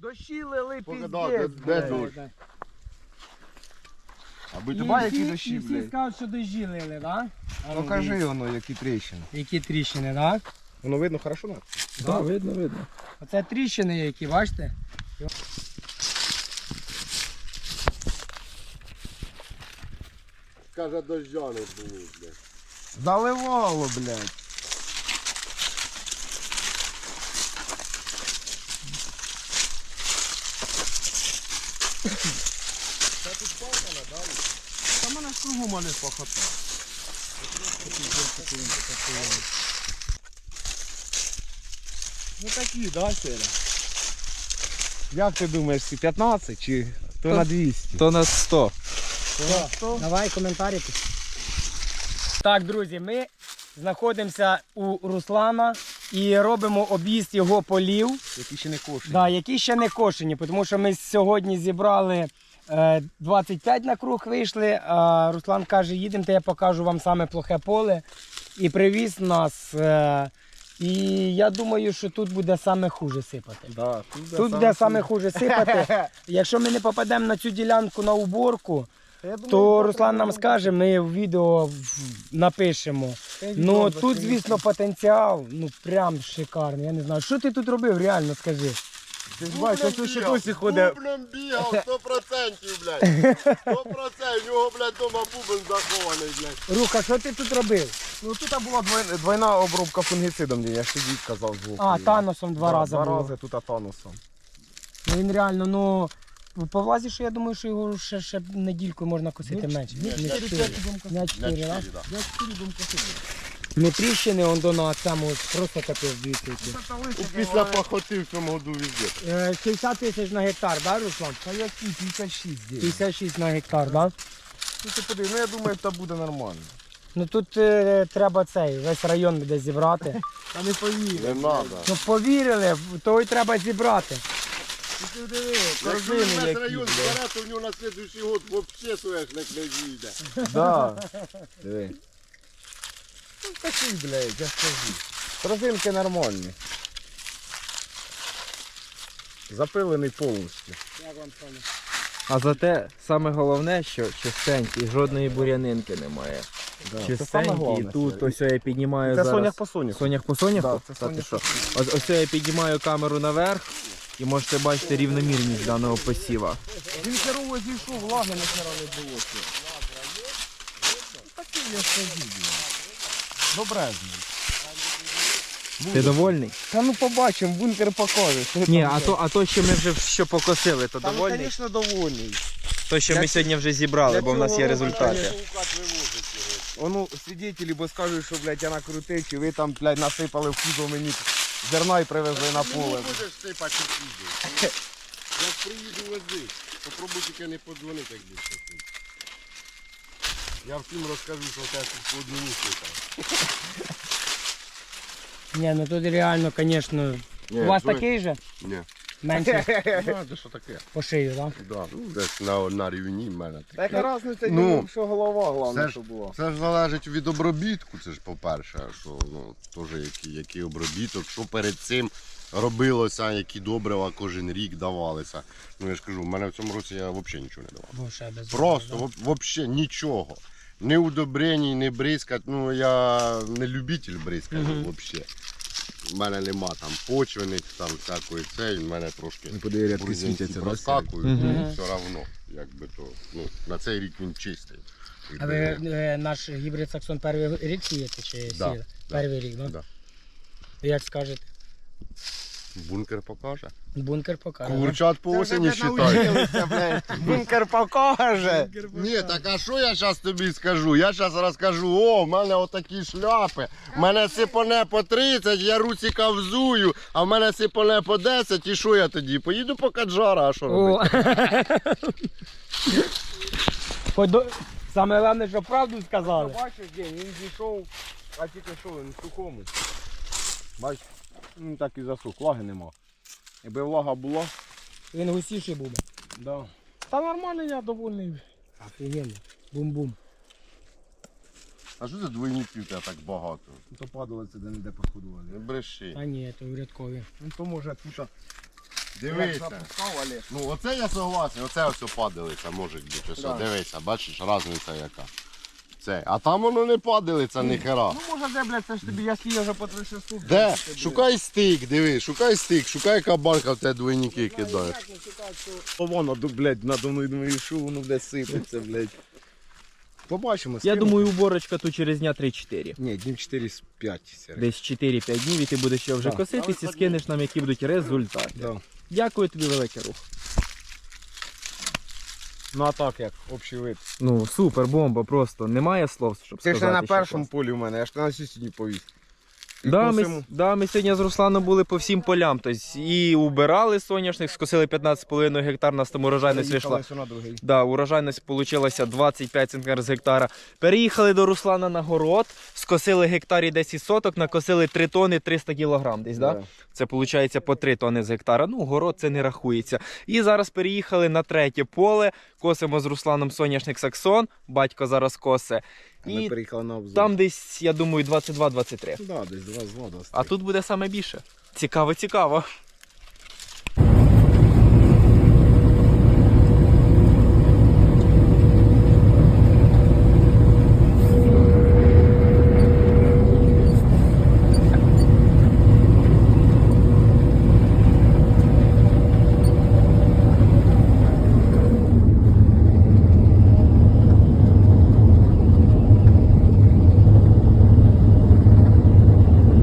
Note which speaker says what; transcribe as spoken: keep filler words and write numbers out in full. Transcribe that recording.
Speaker 1: Дощі лили
Speaker 2: Поки,
Speaker 1: піздець.
Speaker 2: да, де- де
Speaker 1: блядь.
Speaker 2: дощ? Аби
Speaker 1: І
Speaker 2: тебе які
Speaker 1: всі-
Speaker 2: дощі,
Speaker 1: І всі
Speaker 2: блядь.
Speaker 1: скажуть, що дощі лили, так?
Speaker 2: Покажи воно, які тріщини.
Speaker 1: Які тріщини, так?
Speaker 2: Воно видно хорошо? Так,
Speaker 1: Да.
Speaker 2: видно, видно.
Speaker 1: Оце тріщини які, бачите?
Speaker 2: Каже, дождя не було, блядь. Заливало, блядь. Це тут пахано, да? Та мене ж кругом мене пахота. Ну такі, да, Сера? Як ти думаєш, ці п'ятнадцять чи то на двісті?
Speaker 3: То на сто.
Speaker 1: Давай коментарі. Так, друзі, ми знаходимося у Руслана і робимо об'їзд його полів,
Speaker 2: Які ще не кошені.
Speaker 1: да, які ще не кошені, тому що ми сьогодні зібрали е, двадцять п'ять на круг вийшли, а Руслан каже, їдемо, то я покажу вам саме плохе поле. І привіз нас. Е, і я думаю, що тут буде саме хуже сипати.
Speaker 2: Да, тут
Speaker 1: Тут буде саме хуже сипати. Якщо ми не попадемо на цю ділянку на уборку, то Руслан нам скаже, ми в відео напишемо. Ну тут, звісно, потенціал, ну прям шикарний. Я не знаю, що ти тут робив, реально скажи.
Speaker 2: Ти ж бачиш, ось ще досі ходить.
Speaker 4: Бублем бігав, сто процентів, блядь. сто процентів, у нього, блядь, дома бубен захований, блядь.
Speaker 1: Руха, що ти тут робив?
Speaker 2: Ну тут була двойна, двойна обробка фунгіцидом, я ж тоді казав звуку.
Speaker 1: А, таносом два
Speaker 2: Да,
Speaker 1: рази
Speaker 2: Два
Speaker 1: було.
Speaker 2: рази тут атанусом.
Speaker 1: Ну він реально, ну, по влазі, що я думаю, що його ще, ще недільку можна косити менше. Не чотири. Не чотири, так?
Speaker 4: да.
Speaker 1: Ну тріщини, он до на цьому просто капець, дивіться. які.
Speaker 4: Після пахоти в цьому году везде.
Speaker 1: Е, шістдесят тисяч на гектар, так, да, Руслан?
Speaker 2: Та які п'ятдесят шість десь.
Speaker 1: п'ятдесят шість на гектар, так? Да?
Speaker 2: Ну ти подивись, ну я думаю, це буде нормально.
Speaker 1: Ну тут е, треба цей, весь район буде зібрати.
Speaker 2: Та не повірю.
Speaker 4: Не надо.
Speaker 1: Ну повірили, то й треба зібрати.
Speaker 2: Ти диви,
Speaker 4: Якщо
Speaker 2: корзини
Speaker 4: весь
Speaker 2: які,
Speaker 4: район
Speaker 2: блядь.
Speaker 4: збере, то в нього на слідуючий год взагалі соняшник не з'їде.
Speaker 2: Да. Диви. Ну такий, блядь, я скажу. Корзинки нормальні. Запилений повністю.
Speaker 1: Як вам Соня?
Speaker 3: А зате саме головне, що чистенький, жодної бур'янинки немає.
Speaker 2: Да. Це саме
Speaker 3: Чистенький,
Speaker 2: головне.
Speaker 3: тут ось я піднімаю
Speaker 2: Це
Speaker 3: зараз.
Speaker 2: сонях по сонях.
Speaker 3: Сонях по соняху?
Speaker 2: Да, це
Speaker 3: Та ти
Speaker 2: сонях
Speaker 3: що?
Speaker 2: по
Speaker 3: Ось, ось я піднімаю камеру наверх і можете бачити рівномірність даного посіва.
Speaker 2: Він херово зійшов, влаги на хера не було. ще. Такий я скажу, блядь. Добрезний.
Speaker 3: Ти довольний?
Speaker 2: Та ну побачимо, бункер покаже. що
Speaker 3: Ні,
Speaker 2: там,
Speaker 3: а
Speaker 2: блядь.
Speaker 3: то, а то, що ми вже що покосили, то
Speaker 2: Та ну,
Speaker 3: довольний?
Speaker 2: звісно, довольний.
Speaker 3: То, що ми
Speaker 2: Як-
Speaker 3: сьогодні вже зібрали, бо в нас є результати.
Speaker 2: Воно свідетелі, бо скажуть, що, блядь, я накрутив, чи ви там, блядь, насипали в кузов мені зерна і привезли на
Speaker 4: Не
Speaker 2: поле.
Speaker 4: будеш сипати сюди. Як приїду вези, попробуй тільки не подзвонити, як будеш сипати. Я всім розкажу, що я тут по одному сипав.
Speaker 1: Ні, ну тут реально, звісно. У вас такий же?
Speaker 4: Ні.
Speaker 1: Менше
Speaker 4: Ну, це що таке?
Speaker 1: по шию, так?
Speaker 4: Да, ну, десь на, на рівні в мене.
Speaker 2: Та яка різниця,
Speaker 4: Ну,
Speaker 2: що голова, головне,
Speaker 4: це ж-
Speaker 2: що була.
Speaker 4: Це ж залежить від обробітку, це ж по-перше, що ну, теж який, який обробіток, що перед цим робилося, які добрива кожен рік давалися. Ну я ж кажу, в мене в цьому році я взагалі нічого не давав. Просто взагалі нічого. Ні удобрень, ні бризкать. Ну я не любитель бризкати
Speaker 1: Мгм.
Speaker 4: взагалі. У мене нема там почвених, там всякої цей, в мене трошки
Speaker 2: Ну, подиви, рядки
Speaker 4: бур'янці
Speaker 2: світяться, да,
Speaker 4: проскакують,
Speaker 3: Мгм.
Speaker 4: ну, все одно, якби то, ну, на цей рік він чистий.
Speaker 1: А ви е, наш гібрид Саксон перший рік сієте чи
Speaker 4: Да,
Speaker 1: сіяли? Перший рік, так?
Speaker 4: Да.
Speaker 1: Як скажете?
Speaker 4: Бункер покаже.
Speaker 1: Бункер покаже. да?
Speaker 4: Курчат по осені считай.
Speaker 2: Бункер покаже.
Speaker 4: Ні, так а що я зараз тобі скажу? Я зараз розкажу, о, в мене отакі шляпи, в мене сипоне по тридцять, я русика взую, а в мене сипоне по десять, і що я тоді? Поїду по Каджара, а що робити?
Speaker 1: О. Подо- Саме головне, що правду сказали.
Speaker 2: Бачиш, день, він зійшов, а тільки що він в сухому. Бачиш, ну так і засух, влаги нема. Якби влага була,
Speaker 1: Він густіший буде.
Speaker 2: да. Та нормально, я довольний.
Speaker 1: Офігенно. Бум-бум.
Speaker 4: А що за двойників тебе так багато?
Speaker 2: То падало це де-не-де посходували.
Speaker 4: Не бреши.
Speaker 1: А ні, то урядкові.
Speaker 2: Ну то може тут
Speaker 4: Дивися.
Speaker 2: запускав, але...
Speaker 4: Ну оце я согласен, оце ось падалиця може бути. Ось,
Speaker 2: Да.
Speaker 4: дивися, бачиш, різниця яка. Це. А там воно не падалиця, ні хера.
Speaker 2: Ну може де, блядь, це ж тобі, я стію вже по три шесту.
Speaker 4: Де? Шукай стик, диви, шукай стик, шукай кабанка в тебе двойники кидає.
Speaker 2: Воно, блядь, надо мною думаю, що воно буде сипеться, блядь. Побачимо.
Speaker 3: Я
Speaker 2: скину.
Speaker 3: думаю, уборочка тут через дня три-чотири.
Speaker 2: Ні, днів чотири-п'ять.
Speaker 3: Десь чотири-п'ять днів і ти будеш ще вже
Speaker 2: Так.
Speaker 3: коситись і скинеш нам, які будуть результати.
Speaker 2: Да.
Speaker 3: Дякую тобі, великий рух.
Speaker 2: Ну а так як, общий вид.
Speaker 3: Ну, супер, бомба, просто немає слов, щоб
Speaker 2: Ти ж
Speaker 3: сказати.
Speaker 2: не на
Speaker 3: що
Speaker 2: першому
Speaker 3: клас.
Speaker 2: полі у мене, я ж на сусідній повіз. І
Speaker 3: Да, ми,
Speaker 2: косимо.
Speaker 3: да, ми сьогодні з Русланом були по всім полям. Тобто і убирали соняшник, скосили п'ятнадцять з половиною гектар, нас там урожайність вийшла.
Speaker 2: Заїхали сюди на другий.
Speaker 3: Да, урожайність вийшла двадцять п'ять центнерів з гектара. Переїхали до Руслана на город, скосили гектарі десять соток, накосили три тони триста кілограм десь, да?
Speaker 2: Да.
Speaker 3: Це виходить по три тони з гектара. Ну, город це не рахується. І зараз переїхали на третє поле, косимо з Русланом соняшник Саксон, батько зараз косе.
Speaker 2: А ми
Speaker 3: І
Speaker 2: переїхали на обзор.
Speaker 3: там десь, я думаю, двадцять два двадцять три.
Speaker 2: Да, десь два з воду.
Speaker 3: А тут буде саме більше. Цікаво, цікаво.